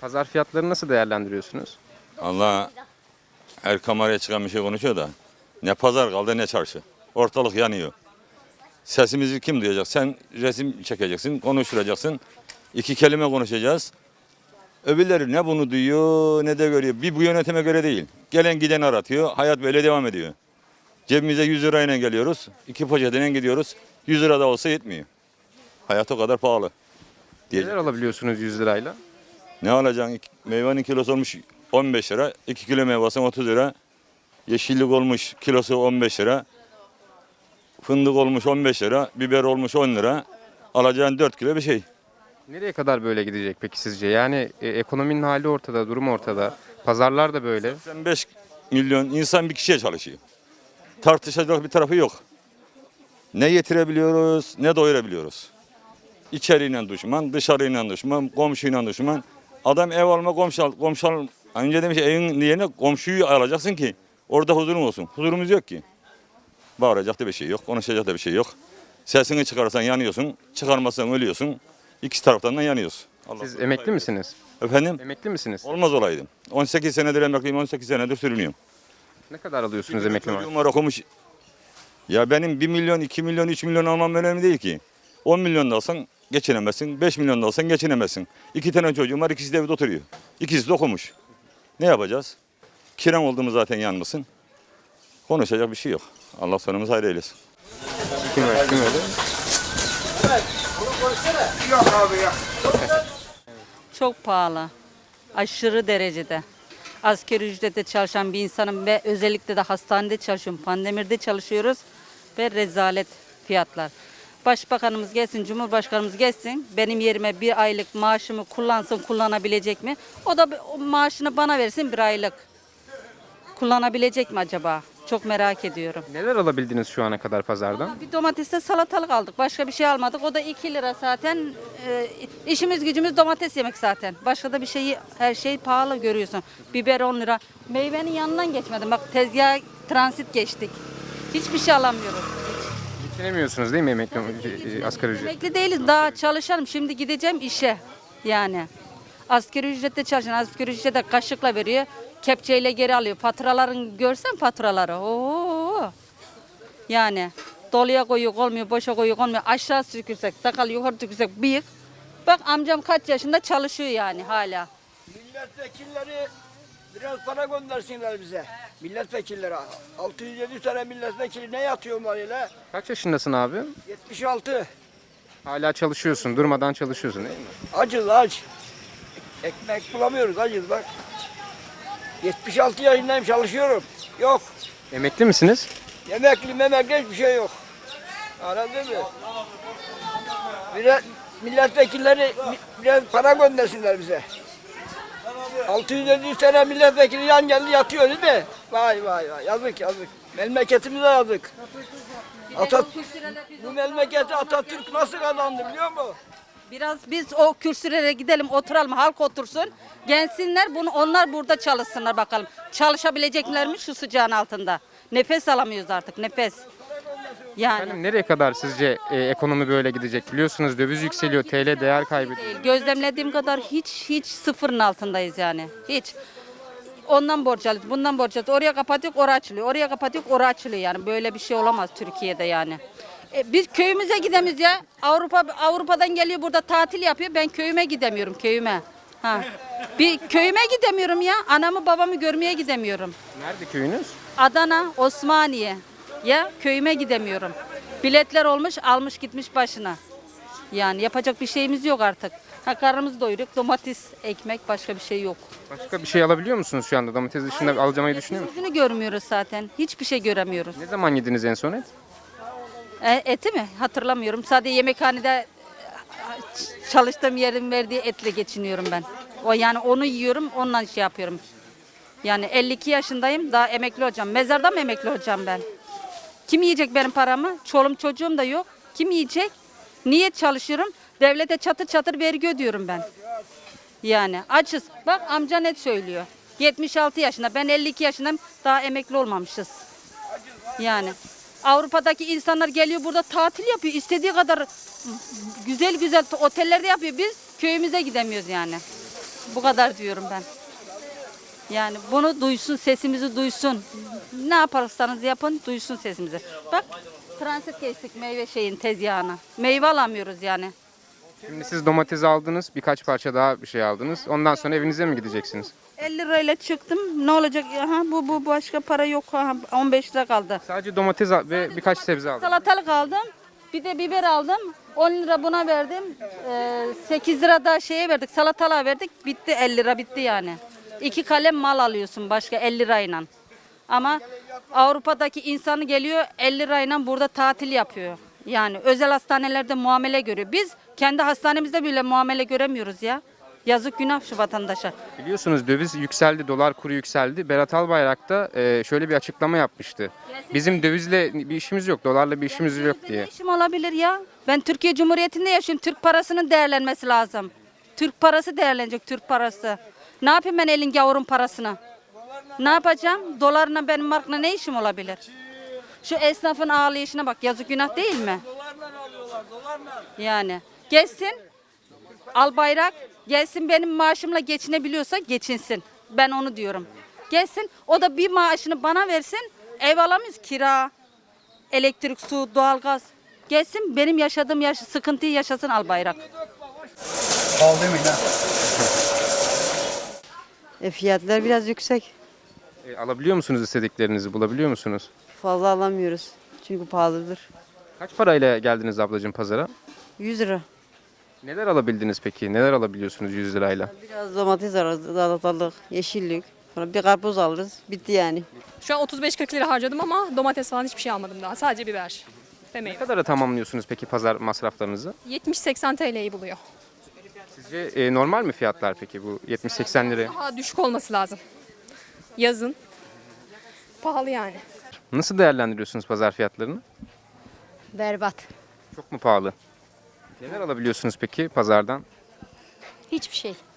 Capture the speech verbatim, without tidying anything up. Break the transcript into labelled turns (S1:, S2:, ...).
S1: Pazar fiyatlarını nasıl değerlendiriyorsunuz?
S2: Allah her kameraya çıkan bir şey konuşuyor da ne pazar kaldı ne çarşı. Ortalık yanıyor. Sesimizi kim duyacak? Sen resim çekeceksin, konuşturacaksın. İki kelime konuşacağız. Öbürleri ne bunu duyuyor ne de görüyor. Bir bu yönetime göre değil. Gelen giden aratıyor. Hayat böyle devam ediyor. Cebimize yüz lirayla geliyoruz. İki poşetiyle gidiyoruz. yüz lira da olsa yetmiyor. Hayat o kadar pahalı. Diye.
S1: Neler alabiliyorsunuz yüz lirayla?
S2: Ne alacaksın? Meyvenin kilosu olmuş on beş lira. iki kilo meyvesi otuz lira. Yeşillik olmuş kilosu on beş lira. Fındık olmuş on beş lira. Biber olmuş on lira. Alacağın dört kilo bir şey.
S1: Nereye kadar böyle gidecek peki sizce? Yani e, ekonominin hali ortada, durum ortada. Pazarlar da böyle.
S2: seksen beş milyon insan bir kişiye çalışıyor. Tartışacak bir tarafı yok. Ne yetirebiliyoruz ne doyurabiliyoruz. İçeriyle düşman, dışarıyla düşman, komşuyla düşman. Adam ev alma komşu al, komşu al. Önce demiş evin yerine komşuyu alacaksın ki orada huzurun olsun. Huzurumuz yok ki. Bağıracak da bir şey yok, konuşacak da bir şey yok. Sesini çıkarırsan yanıyorsun, çıkarmazsan ölüyorsun. İkisi taraftan da yanıyoruz. Allah
S1: Siz
S2: korusun.
S1: emekli misiniz?
S2: Efendim?
S1: Emekli misiniz?
S2: Olmaz olaydım. on sekiz senedir emekliyim, on sekiz senedir sürünüyorum.
S1: Ne kadar alıyorsunuz emekli maaşı?
S2: Çocuğum var okumuş. Ya benim bir milyon, iki milyon, üç milyon almam önemli değil ki. on milyon da alsan geçinemezsin, beş milyon da alsan geçinemezsin. İki tane çocuğum var, ikisi de evde oturuyor. İkisi de okumuş. Ne yapacağız? Kiran oldu mu zaten yanmasın. Konuşacak bir şey yok. Allah sonumuzu hayır eylesin.
S1: Kim öyle? Kim öyle?
S3: Çok pahalı. Aşırı derecede. Asgari ücrette çalışan bir insanım ve özellikle de hastanede çalışıyorum. Pandemide çalışıyoruz ve rezalet fiyatlar. Başbakanımız gelsin, Cumhurbaşkanımız gelsin. Benim yerime bir aylık maaşımı kullansın, kullanabilecek mi? O da o maaşını bana versin bir aylık. Kullanabilecek mi acaba? Çok merak ediyorum.
S1: Neler alabildiniz şu ana kadar pazardan?
S3: Bir domatesle salatalık aldık. Başka bir şey almadık. O da iki lira zaten. Ee, işimiz gücümüz domates yemek zaten. Başka da bir şeyi, her şey pahalı görüyorsun. Biber on lira. Meyvenin yanından geçmedim. Bak tezgah transit geçtik. Hiçbir şey alamıyoruz.
S1: Geçinemiyorsunuz değil mi emekli e, asgari ücret?
S3: Emekli değiliz. Daha çalışalım. Şimdi gideceğim işe. Yani. Asgari ücrette çalışan asgari ücrete kaşıkla veriyor. Kepçeyle geri alıyor. Faturaların görsen faturaları. Oo. Yani doluya koyuk olmuyor, boşa koyuk olmuyor. Aşağı sürüksek, sakal yukarı sürüksek bıyık. Bak amcam kaç yaşında çalışıyor yani hala.
S4: Milletvekilleri biraz para göndersinler bize. Milletvekilleri. altı yüz yedi tane milletvekili ne yatıyor öyle?
S1: Kaç yaşındasın abi?
S4: yetmiş altı.
S1: Hala çalışıyorsun, durmadan çalışıyorsun değil mi?
S4: Acız aç. Ekmek bulamıyoruz acız bak. yetmiş altı yaşındayım çalışıyorum. Yok.
S1: Emekli misiniz?
S4: Yemekli memekli hiçbir şey yok. Anladın mı? Biraz milletvekilleri biraz para göndersinler bize. altı yüz yedi tane milletvekili yan geldi yatıyor değil mi? Vay vay vay yazık yazık. Memleketimize yazık. Atat bu memleketi Atatürk nasıl kazandı biliyor musun?
S3: Biraz biz o kürsülere gidelim oturalım halk otursun. Gelsinler bunu onlar burada çalışsınlar bakalım. Çalışabilecekler mi şu sıcağın altında? Nefes alamıyoruz artık nefes. Yani.
S1: Efendim nereye kadar sizce e, ekonomi böyle gidecek? Biliyorsunuz döviz yükseliyor, T L değer kaybediyor.
S3: Değil. Gözlemlediğim kadar hiç hiç sıfırın altındayız yani. Hiç. Ondan borç alıyoruz, bundan borç alıyoruz. Oraya kapatıyoruz, oraya açılıyor. Oraya kapatıyoruz, oraya açılıyor yani. Böyle bir şey olamaz Türkiye'de yani. E, biz köyümüze gidemiyoruz ya. Avrupa Avrupa'dan geliyor burada tatil yapıyor. Ben köyüme gidemiyorum, köyüme. Ha. Bir köyüme gidemiyorum ya. Anamı babamı görmeye gidemiyorum.
S1: Nerede köyünüz?
S3: Adana, Osmaniye. Ya köyüme gidemiyorum. Biletler olmuş, almış gitmiş başına. Yani yapacak bir şeyimiz yok artık. Ha, karnımızı doyuruyoruz. Domates, ekmek, başka bir şey yok.
S1: Başka bir şey alabiliyor musunuz şu anda? Domates dışında alacağımı düşünüyor musunuz?
S3: Yüzünü görmüyoruz zaten. Hiçbir şey göremiyoruz.
S1: Ne zaman yediniz en son et?
S3: E, eti mi? Hatırlamıyorum. Sadece yemekhanede e, çalıştığım yerin verdiği etle geçiniyorum ben. O yani onu yiyorum, ondan şey yapıyorum. Yani elli iki yaşındayım, daha emekli olacağım. Mezarda mı emekli olacağım ben? Kim yiyecek benim paramı? Çoluğum çocuğum da yok. Kim yiyecek? Niye çalışıyorum? Devlete çatır çatır vergi ödüyorum ben. Yani açız. Bak amca net söylüyor. yetmiş altı yaşında, ben elli iki yaşındayım, daha emekli olmamışız. Yani Avrupa'daki insanlar geliyor burada tatil yapıyor. İstediği kadar güzel güzel otellerde yapıyor. Biz köyümüze gidemiyoruz yani. Bu kadar diyorum ben. Yani bunu duysun, sesimizi duysun. Ne yaparsanız yapın, duysun sesimizi. Bak, transit geçtik meyve şeyin tezgahına. Meyve alamıyoruz yani.
S1: Şimdi siz domates aldınız, birkaç parça daha bir şey aldınız. Ondan sonra evinize mi gideceksiniz?
S3: elli lirayla çıktım. Ne olacak? Aha, bu bu başka para yok. Aha, on beş lira kaldı.
S1: Sadece domates al- ve birkaç sebze aldınız.
S3: Salatalık aldım. Bir de biber aldım. on lira buna verdim. Ee, sekiz lira da şeye verdik. Salatalığa verdik. Bitti elli lira bitti yani. İki kalem mal alıyorsun başka elli lirayla. Ama Avrupa'daki insanı geliyor elli lirayla burada tatil yapıyor. Yani özel hastanelerde muamele görüyor. Biz kendi hastanemizde bile muamele göremiyoruz ya. Yazık günah şu vatandaşa.
S1: Biliyorsunuz döviz yükseldi, dolar kuru yükseldi. Berat Albayrak da e, şöyle bir açıklama yapmıştı. Bizim dövizle bir işimiz yok, dolarla bir işimiz yok
S3: Ne
S1: diye.
S3: işim olabilir ya? Ben Türkiye Cumhuriyeti'nde yaşıyorum. Türk parasının değerlenmesi lazım. Türk parası değerlenecek, Türk parası. Ne yapayım ben elin gavurun parasını? Ne yapacağım? Dolarla benim markla ne işim olabilir? Şu esnafın ağlayışına bak, yazık günah değil mi? Yani geçsin, al bayrak, gelsin benim maaşımla geçinebiliyorsa geçinsin. Ben onu diyorum. Gelsin, o da bir maaşını bana versin, ev alamayız, kira, elektrik, su, doğalgaz. Gelsin benim yaşadığım yaş sıkıntıyı yaşasın al bayrak.
S5: Pahalı demeyin ha.
S6: E fiyatlar biraz yüksek.
S1: E, alabiliyor musunuz istediklerinizi, bulabiliyor musunuz?
S6: Fazla alamıyoruz. Çünkü pahalıdır.
S1: Kaç parayla geldiniz ablacığım pazara?
S6: yüz lira.
S1: Neler alabildiniz peki? Neler alabiliyorsunuz yüz lirayla?
S6: Biraz domates alırız, salatalık, yeşillik. Sonra bir karpuz alırız. Bitti yani.
S7: Şu an otuz beş kırk lira harcadım ama domates falan hiçbir şey almadım daha. Sadece biber ve
S1: Ne
S7: meyve.
S1: kadara tamamlıyorsunuz peki pazar masraflarınızı?
S7: yetmiş seksen T L'yi buluyor.
S1: Sizce e, normal mi fiyatlar peki bu yetmiş seksen lira?
S7: Daha düşük olması lazım. Yazın. Pahalı yani.
S1: Nasıl değerlendiriyorsunuz pazar fiyatlarını?
S8: Berbat.
S1: Çok mu pahalı? Neler alabiliyorsunuz peki pazardan?
S8: Hiçbir şey.